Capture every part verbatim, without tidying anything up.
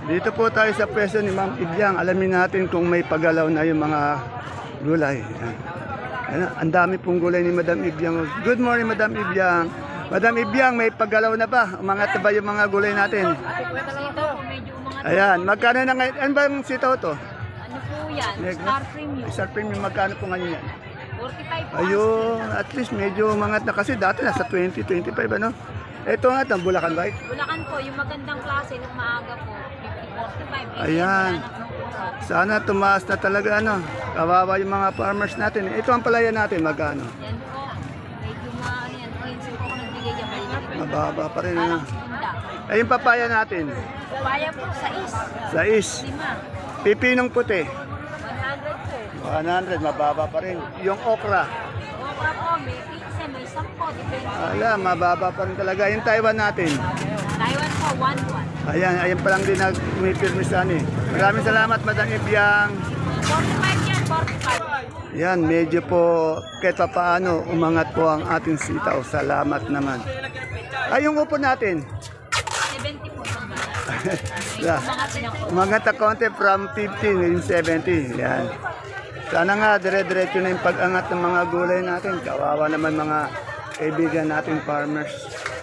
Dito po tayo sa pwesto ni Ma'am Ibyang. Alamin natin kung may pagalaw na yung mga gulay. Ayan. Ayan, ang dami pong gulay ni Madam Ibyang. Good morning, Madam Ibyang. Madam Ibyang, may pagalaw na ba? Umangat na ba yung mga gulay natin? Ayan, magkano na ngayon? Ano ba yung sitaw to? Ano po yan? Star Premium. Star Premium, magkano po ngayon yan? forty-five po. Ayun, at least medyo umangat na kasi dati nasa twenty, twenty-five ano? Ito nga, ang Bulacan White. Bulacan po, yung magandang klase nung maaga po, fifty forty-five. Ayan. Sana tumaas na talaga ano. Kawawa yung mga farmers natin. Ito ang palaya natin, magkano? Yan po. Medyo mga ano yan. Prinsip po ako nagbigay yan. Maliliit. Mababa pa rin ano. Parang bunda. Ay, yung papaya natin, Papaya po, sais. sais. Lima. Pipinong puti, one hundred po. one hundred, mababa pa rin. Yung okra, Okra po, may fifty, may sampo. Depende. ala, mababa pa rin talaga. Yung Taiwan natin, Taiwan po, one one. ayan, ayan pa lang din na umipirmisan eh. Maraming salamat, Madam Ibyang. forty-five yan, forty-five. Yan, medyo po kahit pa paano umangat po ang ating sitaw. Salamat naman. Ay, yung upo natin. seventy po. Yeah. Mga pinako. Umangat na konti from fifty, ngayon seventy. Yan. Sana nga, dire-diretso na yung pag-angat ng mga gulay natin. Kawawa naman mga kaibigan nating farmers.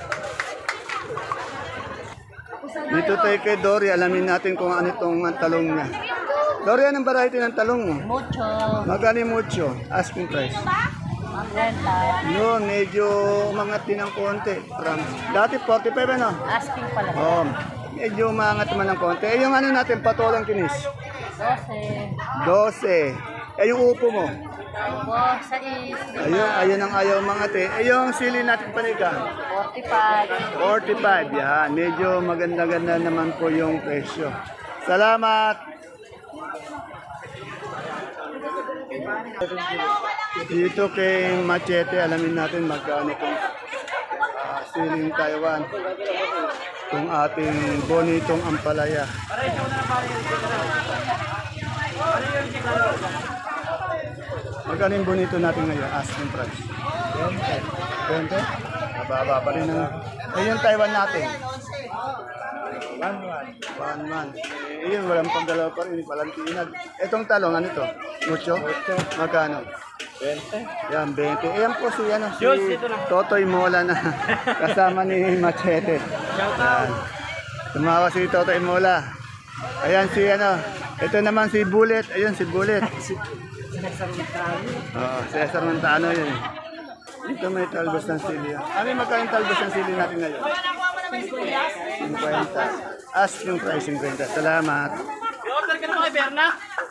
Dito tayo kay Dory, alamin natin kung ano itong talong niya. Dory, anong variety ng talong mo? Mucho. Magkano yung mucho? Asking price. Renta. Yun, medyo umangat din ng konti. From, dati forty-five ano? Asking pala. Oh, medyo umangat naman ng konti. Eh, yung ano natin, patolang kinis. Dose. twelve. Eh, yung upo mo. Opo, sais. Ayun, ayun ang ayaw mga te. Eh, yung sili natin paniga. forty-five. forty-five, yan. Medyo maganda-ganda naman po yung presyo. Salamat! Dito kay Machete, alamin natin magkano kung uh, siling Taiwan. Kung ating bonitong ampalaya. Magkano yung bonito natin ngayon? Asking price. twenty? Mababa pa rin na. Eh, yung Taiwan natin. One one. One one. Eh, yun, walang panggalaw pa rin. Walang tinag. Etong talong, ano to? Mucho? Magkano? twenty. Yan, twenty. Eh, yan po si, ano, si Totoy Mola na kasama ni Machete. Yan. Tumawa si Totoy Mola. Ayan si, ano, ito naman si Bullet. Ayun, si Bullet. Oo, Cesar Montano yun. Dito may talbos ng sili. Ano yung magkano talbos ng sili natin ngayon? fifty. Asking price, fifty. Salamat. I-order ka na kay Berna?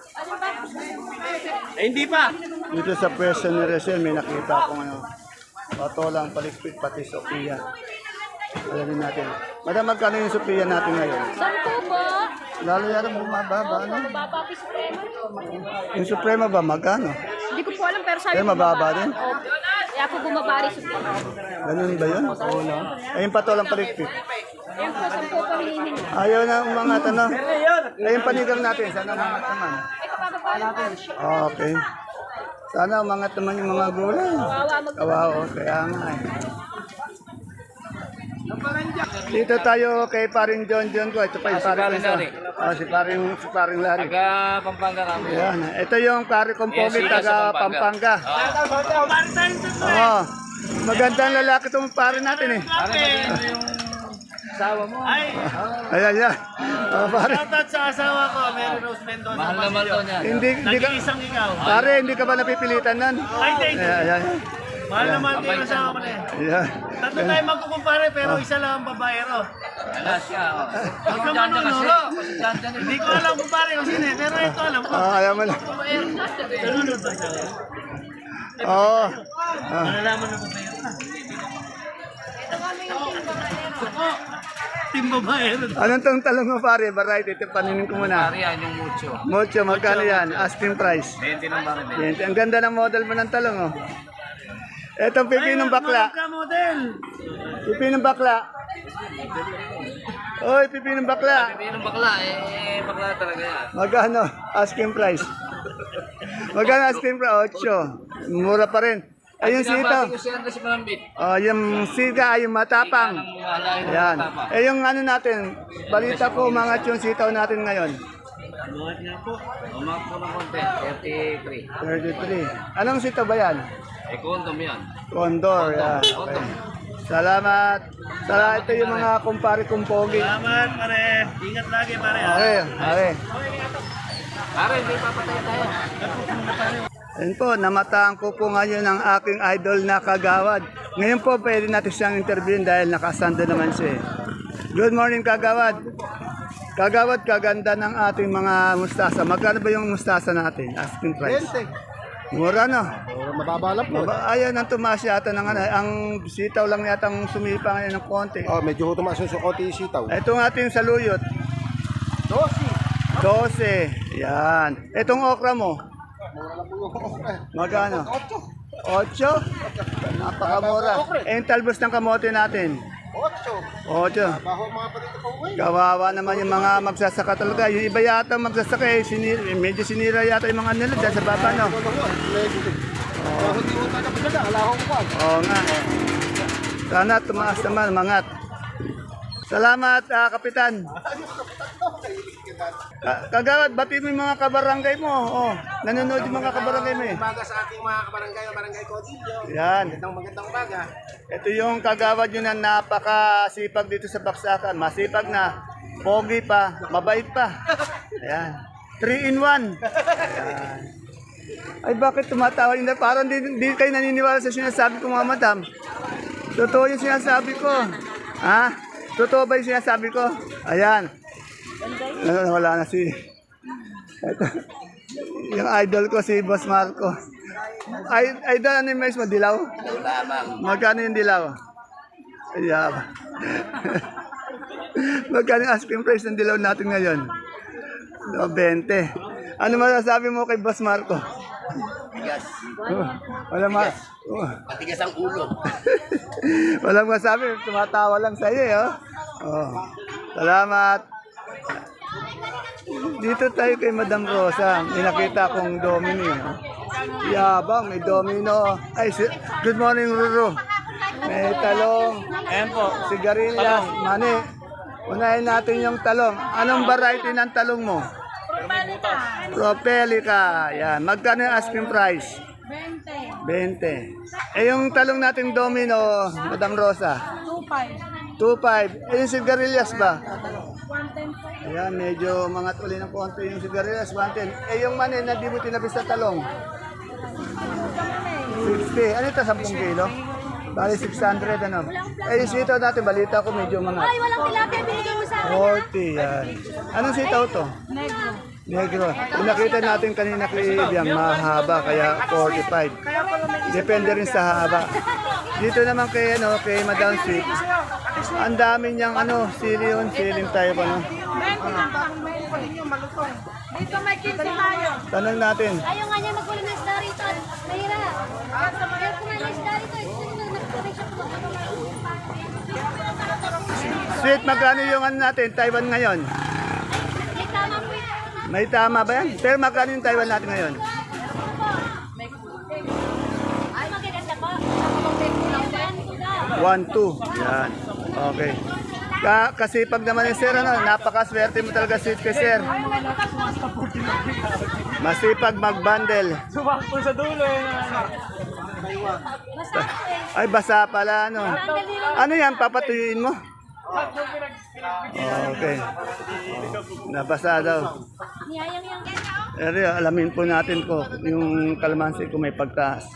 Eh, hindi pa. Dito sa pwesto ni Rachel, may nakita akong ano, patolang palikpit pati Sophia. Alamin natin. Madam, magkano yung Sophia natin ngayon? Sampo po. Lalo yata mababa, ano? Mababa po Supremo. Yung Suprema ba, magkano? Hindi ko po alam pero sabi Eh, mababa din? Opo. Kaya po bumabari Supremo. Ganun ba yun? Oo, no? Ay, yung patolang palikpit. Ayun po, sampo po hinihin. Ayaw na umangat, ano? Ay, yung panigang natin, sana umangat naman. Ay, kapababa natin. Okay. Sana umangat naman yung mga gulay. Kawawa mag- Kawawa, kaya nga eh. Dito tayo kay paring John John ko. Ito pa yung paring Larry. Oh, si paring, si paring Larry. Taga Pampanga kami. Yan. Ito yung pare kong Yes, pogi, sila taga sa Pampanga. Pampanga. Oo. Magandang lalaki itong pare natin eh. Ano ba din yung asawa mo? Ay, Ayan, yan. Oh, pare. Shoutout sa asawa ko, Mary Rose Mendoza. mahal naman to niya. Hindi, hindi ka, Nag-iisang ikaw. pare, hindi ka ba napipilitan nun? Ay, thank you. Ayan, ayan. Mahal naman din yung asawa ko na eh. Ayan. Tatlo tayo magkukumpare pero isa lang ang babaero. Wala siya. oh. Huwag ka Dyan dyan kasi. manunuro. Kasi dyan dyan eh. Hindi ko alam kung pare kung sino eh, pero ito alam ko. Ah, alam mo lang. Nalunod ba siya? Oo. Ah. Malalaman na babaero na. Ako, team babaero. Anong tong talong mo pare? Variety. Ito paninin ko muna. Pari yan yung mucho. Mucho, magkano yan? Asking price. twenty lang ba rin? Yan. Ang ganda ng model mo ng talong, oh. Etong pipi ng bakla. Ka model. Pipi ng bakla. Oy, pipi ng bakla. Sabi ng bakla, eh, bakla talaga yan. Magkano? Asking price. Magkano asking price? Ocho. Mura pa rin. Ay, yung sitaw. Pinabati ko si Andres Malambit. Oh, yung siga, yung matapang. Yan. Eh, yung ano natin, balita ko, umangat yung sitaw natin ngayon. Buhat nga po. Umak po ng konti. thirty-three. thirty-three. Anong sitaw ba yan? Eh, kondom yan. Condor, yan. Okay. Salamat. Salamat, ito yung mga kumpare kong pogi. Salamat, pare. Ingat lagi, pare. ha? Okay, okay. Pare, hindi papatay tayo. Ayun po, namataan ko po ngayon ang aking idol na Kagawad. Ngayon po, pwede natin siyang interviewin dahil nakasando naman siya. eh. Good morning, Kagawad. Kagawad, kaganda ng ating mga mustasa. Magkano ba yung mustasa natin? Asking price. Mura no? Mababa lang po. Maba, ayaw nang tumaas yata ng ano. Ang sitaw lang yata ang sumipa ngayon ng konti. Oh, medyo tumaas yung konti yung sitaw. Ito ang ating saluyot. Dosi. dose. Yan. Itong okra mo. Mura lang po yung okra. Magkano? Ocho. Ocho? Napakamura. Eh, yung talbos ng kamote natin. Ocho. Ocho. Baho mga palito po ngayon. Kawawa naman yung mga magsasaka talaga. Yung iba yata magsasaka eh, sinira, medyo sinira yata yung mga nila dyan sa baba, no? Ano po? Negative. Oh, hindi mo tayo pagdala. Alahong po. Oo nga. Sana tumaas naman, mangat. Salamat, ah, Kapitan. Ka- Kagawad, bati mo yung mga kabarangay mo. Oh, nanonood yung mga kabarangay mo eh. Umaga sa ating mga kabarangay, barangay Codillo. Yan. Magandang magandang umaga. Ito yung kagawad yun na napakasipag dito sa Baksakan. Masipag na, pogi pa, mabait pa. Ayan. Three in one. Ayan. Ay, bakit tumatawa yun? Parang di, di kayo naniniwala sa sinasabi ko, mga madam. Totoo yung sinasabi ko. Ha? Totoo ba yung sinasabi ko? Ayan. Ah, wala na si... Ito. Yung idol ko, si Boss Marco. Ay, idol, ano yung mais mo? Dilaw? Magkano yung dilaw? Ayan. Magkano yung asking price ng dilaw natin ngayon? No, twenty. Ano masasabi mo kay Boss Marco? Tigas. Oh, wala ma... Oh. Matigas ang ulo. Walang masabi, tumatawa lang sa iyo, eh, oh. Oh. Salamat. Dito tayo kay Madam Rosa. May nakita kong domino. eh, oh. Yabang, may domino. Ay, si- good morning, Ruru. May talong. Ayan po. Sigarilyas, mani. Unahin natin yung talong. Anong variety ng talong mo? Propelica. Yan. Magkano yung asking price? twenty. Eh, yung talong nating domino, Madam Rosa? two five. Eh, yung sigarilyas ba? Ayan, medyo mangat uli ng konti yung sigarilyas, one ten. Eh, yung mani na di mo tinabis sa talong? sixty. Ano ito, ten kilo? Bali, six hundred, ano? Eh, yung sitaw natin, balita ko medyo mangat. Ay, walang tilapia binigay mo sa akin. forty, yan. Anong sitaw to? Negro. Negro. Kung nakita natin kanina kay Ibiang, mahaba, kaya forty-five. Depende rin sa haba. Dito naman kay, ano, kay Madam Sweet, ang dami niyang, ano, sili yun, siling tayo pa, no? Dito may kinsi tayo. Tanong natin, Ayaw nga niya magkulo ng isda rito. Mahira. Ayaw kumain ng isda rito. Nagkuloy siya kumakain. Sweet, magkano yung ano natin, Taiwan ngayon? May tama po yun. May tama ba yan? Pero magkano yung Taiwan natin ngayon? Ay, magaganda po. Yan po daw. one two. Yan. Okay. Ka kasipag naman yung sir, ano, napakaswerte mo talaga sweet kay sir. Masipag mag-bundle. Sumakto sa dulo. eh. Basta po eh. Ay, basa pala, ano. Ano yan, papatuyuin mo? Okay. Nabasa daw. Niyayang yang. Pero alamin po natin po yung kalamansi kung may pagtaas.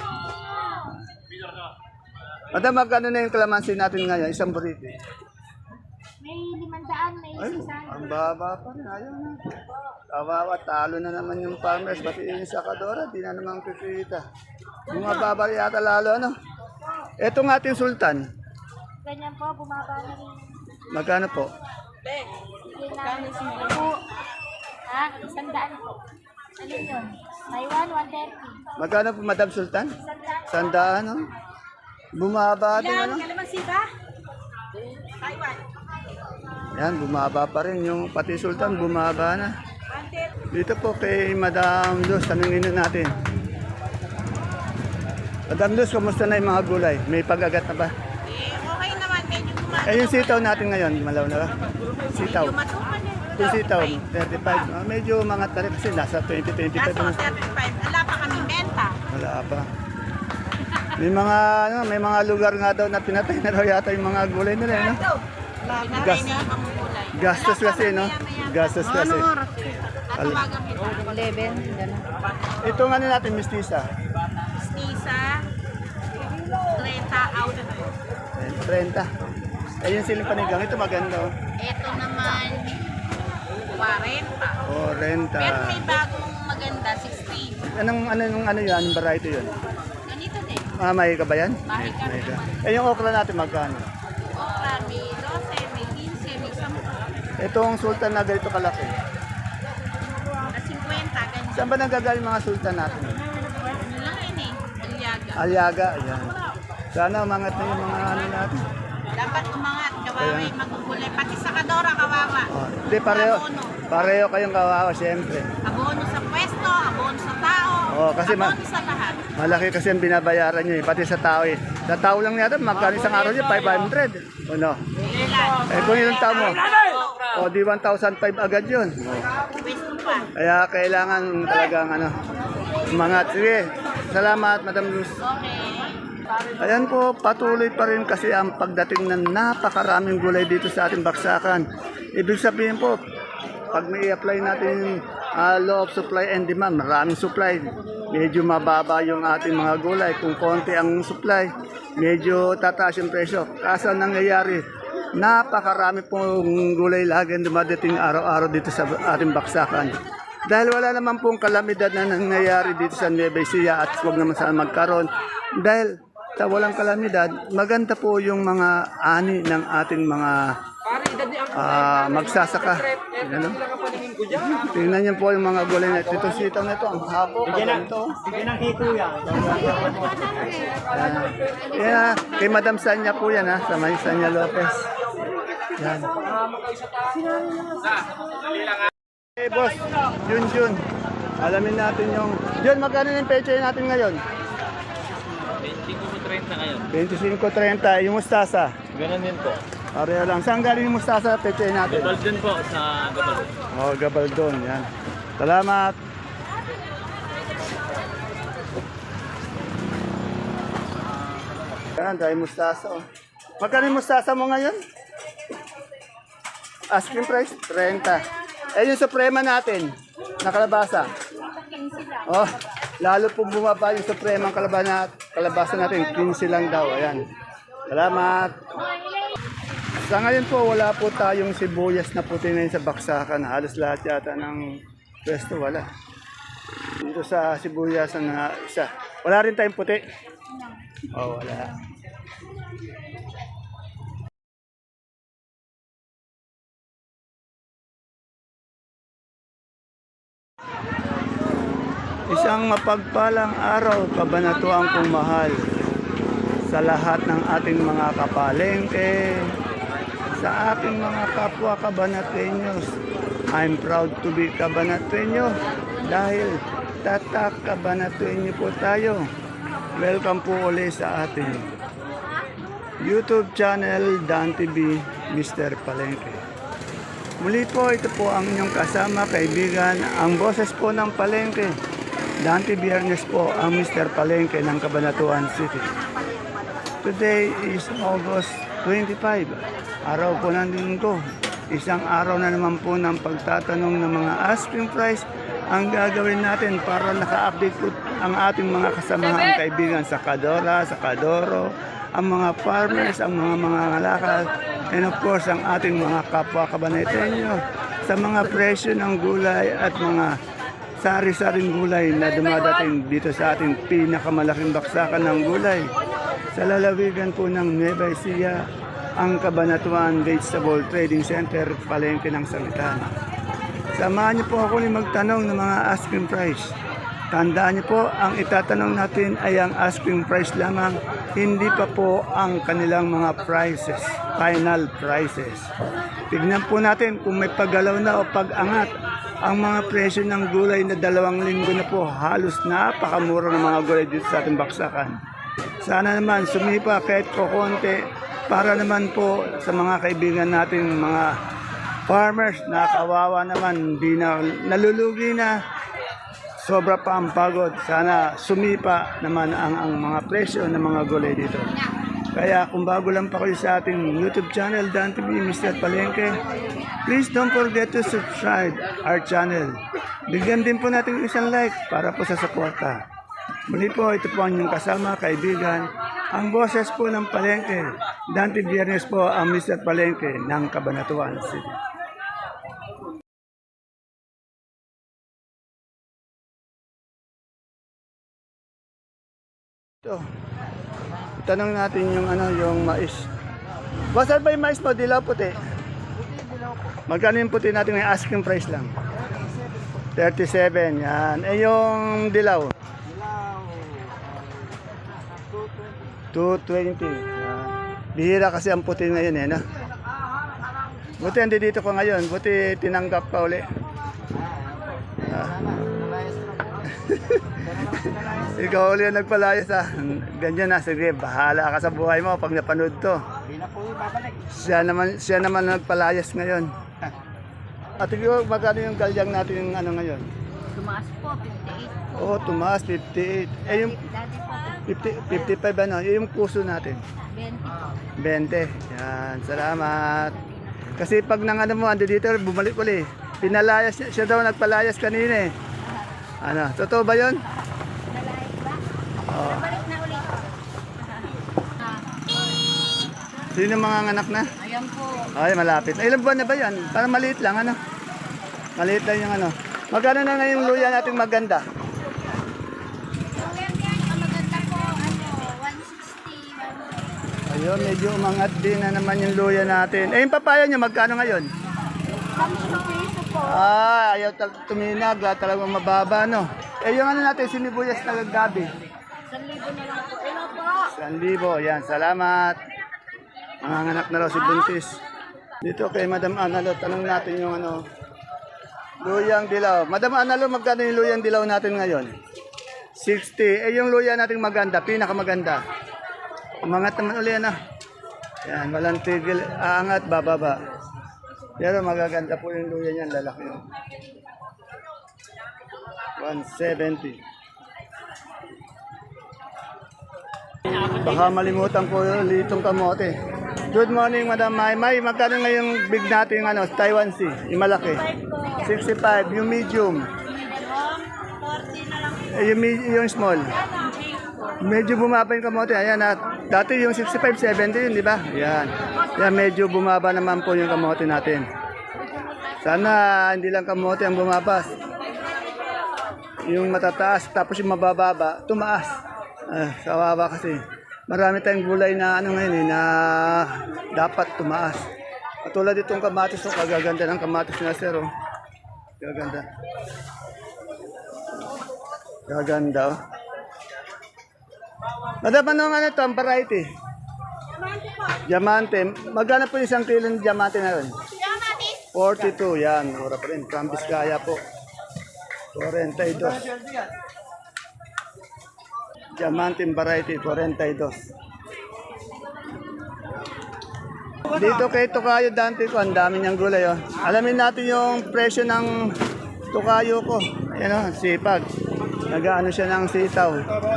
Madam, magkano na yung kalamansi natin ngayon? Isang burrito. May limandaan, may Ay, isang. ang baba pa rin. Ayaw na. Kawawa, talo na naman yung farmers. Pati yung sakadora, di na naman kikita. Yung mababa yata lalo, ano? Ito nga ating sultan. Ganyan po, bumaba na rin. Magkano po? Yun namin po. Ha? Isang daan po. Ano yun? Taiwan, one thirty. Magkano po, Madam Sultan? Isang daan. Sandaan, no? Bumaba din, ano? Kalamansi ba? Taiwan. Yan, bumaba pa rin. Yung pati Sultan, bumaba na. Dito po kay Madam Luz, tanungin na natin. Madam Luz, kumusta na yung mga gulay? May pag-agat na ba? Eh, okay naman. Medyo gumagano. Eh, yung sitaw natin ngayon, malaw na ba? Sitaw. Medyo matukan eh. Yung sitaw, thirty-five. Ah, medyo mga tarik kasi nasa twenty, twenty-five Kaso, na. thirty-five. Wala pa kami benta. Wala pa. May mga ano, may mga lugar nga daw na pinatay na raw yata yung mga gulay nila, no? Pinatay Gas- na yung mamumulay. Gastos kasi, no? Gastos kasi. Natawagan kita. eleven, gano'n. Itong ano natin, mistisa. Snisa. Trenta out. thirty. Eh, yung siling panigang, ito maganda, oh. Ito naman, forty. Oh, renta. Pero may bagong maganda, sixteen. Anong, ano, anong, ano yun? Anong variety yun? Ganito din. Ah, may ka ba yan? May ka. May ka. Eh, yung okra natin magkano? Okra, may twelve, may fifteen, may ten. Itong sultan na ganito kalaki. Na fifty, ganyan. Saan ba nanggagaling mga sultan natin? Ano lang yun eh, Aliaga. Aliaga, ayan. Sana umangat na yung mga ano natin. Dapat umangat, kawawa yung magugulay. Pati sa Kadora, kawawa. Oh, hindi, pareho. Abono. Pareho kayong kawawa, siyempre. Abono sa pwesto, abono sa tao. Oo, kasi ma- abono sa lahat. Malaki kasi ang binabayaran nyo eh, pati sa tao eh. Sa tao lang yata, magkano isang araw nyo? five hundred. O no? Ilan? Eh kung ilang tao mo? O di one thousand five agad yun. Pwesto pa. Kaya kailangan talagang ano, umangat. Sige, salamat Madam Luz. Okay. Ayan po, patuloy pa rin kasi ang pagdating ng napakaraming gulay dito sa ating baksakan. Ibig sabihin po, pag may apply natin uh, law of supply and demand, maraming supply, medyo mababa yung ating mga gulay. Kung konti ang supply, medyo tataas yung presyo. Kaso ang nangyayari, napakarami pong gulay lagi ang dumadating araw-araw dito sa ating baksakan. Dahil wala naman pong kalamidad na nangyayari dito sa Nueva Ecija at huwag naman sana magkaroon. Dahil sa walang kalamidad, maganda po yung mga ani ng ating mga ah, magsasaka. Ano? Tingnan niyo po yung mga gulay na dito. Sitaw na ito, ang hapo, kaganto. Bigyan ng hito yan. Yan, yeah, kay Madam Sanya po yan ha, sa may Sanya Lopez. Yan. Hey boss, Jun Jun. Alamin natin yung... Jun, magkano yung peche natin ngayon? twenty-five thirty ngayon. twenty-five thirty. Yung mustasa. Ganun din po. Pareho lang. Saan galing yung mustasa peche natin? Gabal din po sa Gabal. Oh, Gabaldon. Yan. Salamat. Yan, dahil mustasa. Oh. Magkano yung mustasa mo ngayon? Asking price? thirty. Eh, yung suprema natin, na kalabasa. Oh, lalo po bumaba yung suprema kalabasa, kalabasa natin. fifteen lang daw. Ayan. Salamat. Sa ngayon po, wala po tayong sibuyas na puti na yun sa baksakan. Halos lahat yata ng pwesto, wala. Dito sa sibuyas na isa. Wala rin tayong puti. Oh, wala. Isang mapagpalang araw, kabanatuang kong mahal sa lahat ng ating mga kapalengke, sa ating mga kapwa kabanatenyos. I'm proud to be kabanatenyo dahil tatak kabanatenyo po tayo. Welcome po ulit sa ating YouTube channel, Dan T V, Mister Palengke. Muli po, ito po ang inyong kasama, kaibigan, ang boses po ng Palengke. Dante Biernes po ang Mister Palengke ng Cabanatuan City. Today is August twenty-five, araw po ng linggo. Isang araw na naman po ng pagtatanong ng mga asking price ang gagawin natin para naka-update po ang ating mga kasamahan kaibigan sa Kadora, sa Kadoro, ang mga farmers, ang mga mga ngalakal, and of course ang ating mga kapwa kabanetenyo sa mga presyo ng gulay at mga sari-saring gulay na dumadating dito sa ating pinakamalaking baksakan ng gulay. Sa lalawigan po ng Nueva Ecija, ang Cabanatuan Vegetable Trading Center, Palengke ng Sangitan. Samahan niyo po ako ni magtanong ng mga asking price. Tandaan niyo po, ang itatanong natin ay ang asking price lamang, hindi pa po ang kanilang mga prices, final prices. Tignan po natin kung may paggalaw na o pag-angat ang mga presyo ng gulay na dalawang linggo na po. Halos napakamura ng mga gulay dito sa ating baksakan. Sana naman sumipa kahit kokonti para naman po sa mga kaibigan nating mga farmers na kawawa naman, di na nalulugi na, sobra pa ang pagod. Sana sumipa naman ang, ang mga presyo ng mga gulay dito. Kaya kung bago lang pa kayo sa ating YouTube channel, Dan T V, Mister Palengke, please don't forget to subscribe our channel. Bigyan din po natin isang like para po sa suporta. Muli po, ito po ang inyong kasama, kaibigan, ang boses po ng Palengke. Dante Biernes po ang Mister Palengke ng Cabanatuan City. Ito, tanong natin yung ano, yung mais. Basal ba yung mais mo? Dilaw puti? Magkano yung puti natin yung asking price lang? thirty-seven, yan. Eh yung dilaw? two twenty. Yan. Bihira kasi ang puti ngayon eh, no? Buti hindi dito ko ngayon. Buti tinanggap ka uli. Ah. Ikaw uli ang nagpalayas ah. Ganyan na, sige, bahala ka sa buhay mo pag napanood to. Siya naman, siya naman nagpalayas ngayon. At ikaw, magkano yung galyang natin yung ano ngayon? Tumaas po, fifty-eight. Oo, oh, tumaas, fifty-eight. Eh yung Dati po, fifty, fifty-five ano, yung puso natin. twenty. twenty. Yan, salamat. Kasi pag nang ano mo, ando dito, bumalik uli. Pinalayas siya, siya daw nagpalayas kanina eh. Ano, totoo ba yun? Nalayas ba? Oo. Balik na ulit. Sino mga anak na? Ayan po. Ay, malapit. Ay, ilang buwan na ba yan? Parang maliit lang, ano? Maliit lang yung ano. Magkano na ngayon yung luya natin maganda? Ang maganda po, ano, one sixty. Ayun, medyo umangat din na naman yung luya natin. Eh, yung papaya nyo, magkano ngayon? Samsung piso po. Ah, ayaw tal- tuminag, lahat talagang mababa, no? Eh, yung ano natin, sinibuyas na gabi. San libo na lang po. Ano po? San libo, yan, salamat. Manganganak na raw si Buntis. Dito kay Madam Analo, tanong natin yung ano, luyang dilaw. Madam Analo, magkano yung luyang dilaw natin ngayon? sixty. Eh, yung luya natin maganda, pinakamaganda. Umangat naman uli na. Yan, walang tigil, aangat, bababa. Pero magaganda po yung luya niyan, lalaki yun. one seventy. Baka malimutan ko yung litong kamote. Good morning, Madam May. May, magkano ngayong big natin yung ano, Taiwan Sea, yung malaki? sixty-five, yung medium. Eh, yung, me- yung small. Medyo bumaba yung kamote. Ayan, at dati yung sixty-five, seventy yun, di ba? Ayan. Yan, medyo bumaba naman po yung kamote natin. Sana hindi lang kamote ang bumabas. Yung matataas, tapos yung mabababa, tumaas. Ah, kawawa kasi. Marami tayong gulay na ano ngayon eh, na dapat tumaas. Katulad itong kamatis, oh, kagaganda ng kamatis na sir. Oh. Gaganda. Gaganda. Oh. Madam, ano nga ito, ang variety? Diamante. Magkano po isang kilo ng diamante na yun? forty-two, yan. Mura pa rin. Kambis kaya po. forty-two. Diamante variety, forty-two. Dito kay Tokayo Dante ko, ang dami niyang gulay. Oh. Alamin natin yung presyo ng Tokayo ko. Ayan o, sipag. Nag-ano siya ng sitaw.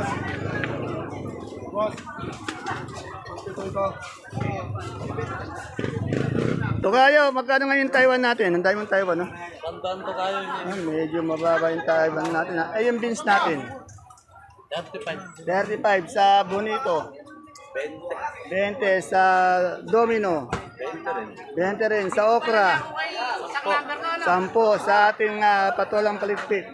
Tokayo, magkano ngayon Taiwan natin? Ang dami mong Taiwan, no? Tandaan to kayo niya. Ah, medyo mababa yung Taiwan natin. Ah. Ay, yung beans natin. thirty-five. thirty-five sa Bonito. twenty sa Domino. twenty rin sa Okra. ten sa ating uh, patolang palikpik.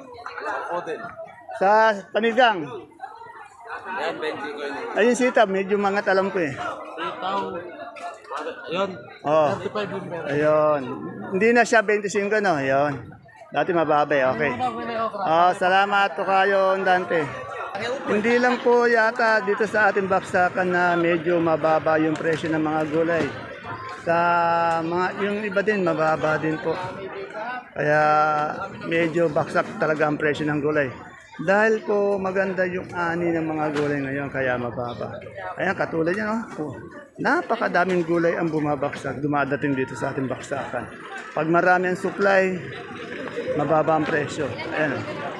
Sa Panigang. Yan, twenty ko yun. Ayun sita, medyo mangat alam ko eh. Itaw. Yun. Oh. thirty-five yung meron. Ayun. Hindi na siya twenty-five no. Ayun. Dati mababa eh. Okay. Oh, salamat to kayo Dante. Hindi lang po yata dito sa ating baksakan na medyo mababa yung presyo ng mga gulay. Sa mga yung iba din mababa din po. Kaya medyo baksak talaga ang presyo ng gulay. Dahil po maganda yung ani ng mga gulay ngayon, kaya mababa. Ayan, katulad yan, oh. Oh, napakadaming gulay ang bumabaksak, dumadating dito sa ating baksakan. Pag marami ang supply, mababa ang presyo. Ayan, oh.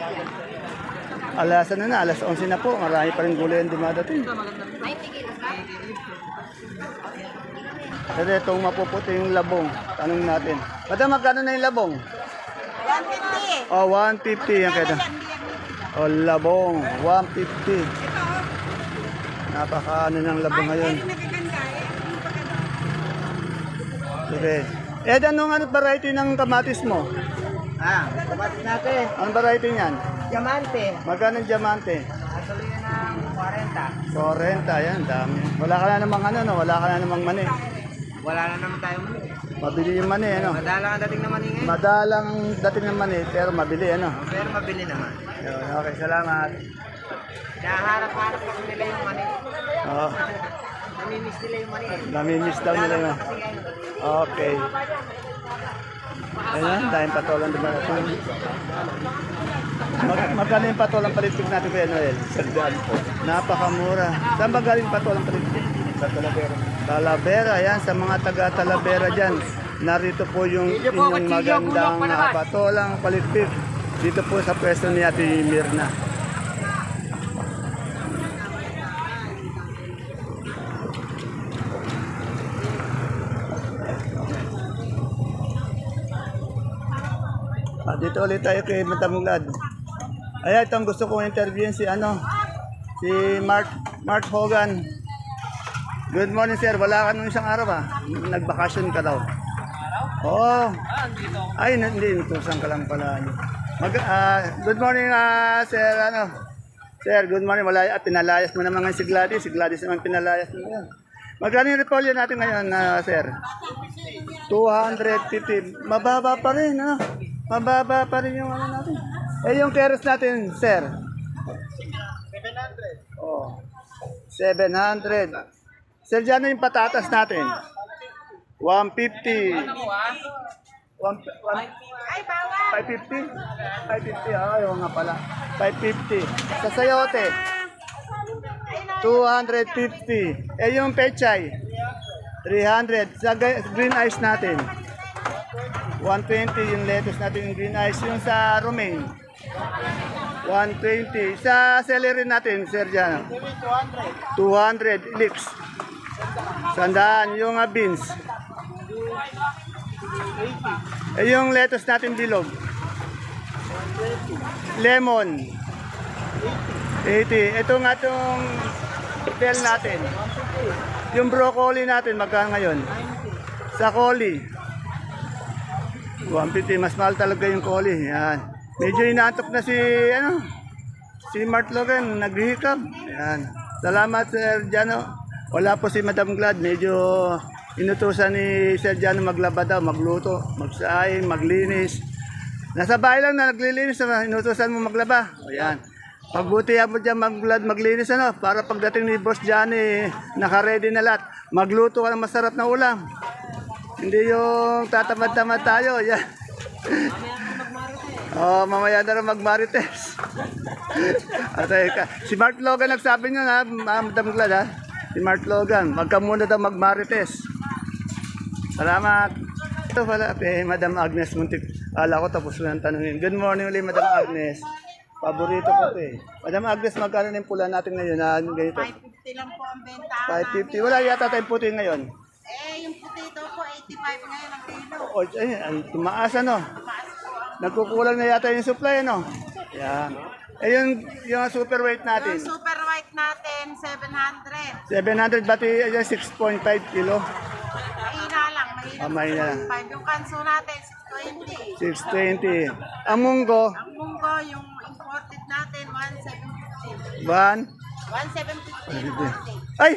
Alas ano na, alas onse na po, marami pa rin gulay ang dumadating. Pero itong mapuputi yung labong, tanong natin. Madam, magkano na yung labong? one fifty. Oh, one fifty yan kaya. O labong, one fifty. Napakaano ng labong ngayon. Okay. Eh, anong ano variety ng kamatis mo? Ah, kapatid natin. Anong variety niyan? Diamante. Magkano ang diamante? Actually yun ng forty. forty, yan, dami. Wala ka na namang ano, no? Wala ka na namang mani. Wala na naman tayo mali. Mabili yung mani, ano? Madalang ang dating naman ngayon. Madalang dating ng mani, pero mabili, ano? Pero mabili naman. Yun, okay, salamat. Naharap-harap kasi nila yung mani. Oh, Namimiss nila yung mani. namimiss daw nila yun. Okay. Ayan, tayong patolang dumarating. Mag magkano yung patolang palitik natin kay Noel? Sandaan po. Napakamura. Saan ba galing patolang palitik? Sa Talavera. Talavera, yan. Sa mga taga Talavera dyan. Narito po yung inyong magandang uh, patolang palitik. Dito po sa pwesto ni Ate Mirna. Ah, dito ulit tayo kay Matamulad. Ay, itong gusto kong interviewin si ano, si Mark Mark Hogan. Good morning, sir. Wala ka nung isang araw ah. Nagbakasyon ka daw. Oo. Ay, hindi. Nutusan ka lang pala. Mag, ah, good morning, ah, sir. Ano? Sir, good morning. Wala, ah, pinalayas mo naman ngayon si Gladys. Si Gladys naman pinalayas mo ngayon. Magkano yung repolyo natin ngayon, ah, sir? two fifty. Mababa pa rin, ano? Mababa pa rin yung ano natin. Eh, yung keros natin, sir? seven hundred. Oh. seven hundred. Sir, dyan yung patatas natin. one fifty. one, one, Ay, bawal. five fifty? five fifty, ah, ayaw nga pala. five fifty. Sa sayote, two fifty. Eh, yung pechay, three hundred. Sa ga- green ice natin, one twenty yung lettuce natin, yung green ice. Yung sa romaine, one twenty. Sa celery natin, sir, dyan, two hundred. Lips, sandaan. Yung uh, beans, eh, yung lettuce natin bilog, lemon, eighty. Ito nga itong bell natin. Yung broccoli natin, magkano ngayon? Sa coli, one fifty. Mas mahal talaga yung coli. Yan. Medyo inaantok na si, ano, si Mart Logan, naghihikab. Yan. Salamat, Sir Jano. Wala po si Madam Glad. Medyo inutusan ni Sir Jano maglaba daw, magluto, magsaing, maglinis. Nasa bahay lang na naglilinis, ano, inutusan mo maglaba. O yan. Pagbutihan mo dyan mag maglinis, ano, para pagdating ni Boss Johnny, naka-ready na lahat. Magluto ka ng masarap na ulam. Hindi yung tatamad-tamad tayo. Yan. Oh, mamaya na rin magmarites. At ay ka. Si Mark Logan nagsabi niya na, Madam Glad ha. Si Mark Logan, magka muna daw magmarites. Salamat. Ito pala, eh, Madam Agnes Muntik. Ala ko tapos ko nang tanungin. Good morning ulit, Madam Agnes. Paborito ko ito eh. Madam Agnes, magkano na yung pula natin ngayon na ganito? five fifty lang po ang benta. five fifty. Wala yata tayong puti ngayon. Eh, yung potato po, eighty-five ngayon ang kilo. O, ay, ay, tumaas ano. Nagkukulang na yata yung supply ano. Yan. Eh yung, yung super weight natin. Yung super white natin, seven hundred. seven hundred bati, ay, six point five kilo. Mahina lang, mahina. Ah, mahina lang. six point five. Yung kanso natin, six twenty. six twenty. Ang munggo, Ang munggo, yung imported natin, one seven fifty. one. one seven fifty imported. Ay!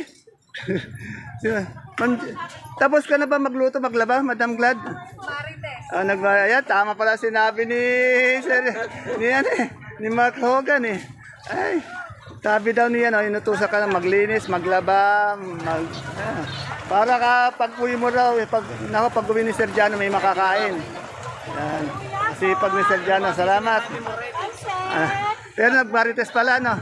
Man- Tapos ka na ba magluto, maglaba, Madam Glad? Marites. Ah, nagbayad. Tama pala sinabi ni Sir, ni, ano, eh, ni Mark Hogan eh. Ay, sabi daw niya, no, inutusan ka na maglinis, maglaba, mag, ah. Para ka pag uwi mo raw, eh, pag, nako, pag uwi ni Sir Jano, may makakain. Yan. Kasi pag ni Sir Jano, salamat. Ah, Pero nag-Marites pala, no?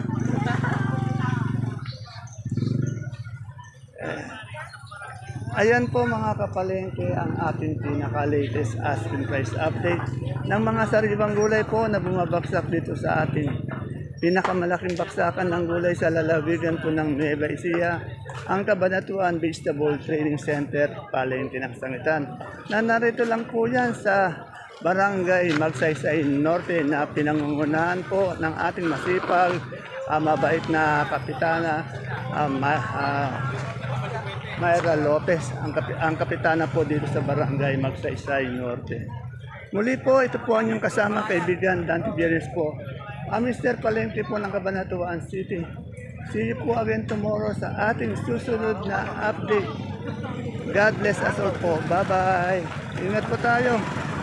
Ayan po mga kapalengke ang ating pinaka-latest asking price update ng mga sariwang gulay po na bumabagsak dito sa ating pinakamalaking baksakan ng gulay sa lalawigan po ng Nueva Ecija, ang Cabanatuan Vegetable Trading Center, Palengke ng Sangitan. Na narito lang po yan sa Barangay Magsaysay Norte na pinangungunahan po ng ating masipag, uh, mabait na kapitana, uh, ma, uh, Mayra Lopez, ang, kapi, ang kapitana po dito sa Barangay Magsaysay Norte. Muli po, ito po ang inyong kasama kaibigan, Dante Bieres po, ang Mister Palengke po ng Cabanatuan City. See you po again tomorrow sa ating susunod na update. God bless us all po. Bye-bye. Ingat po tayo.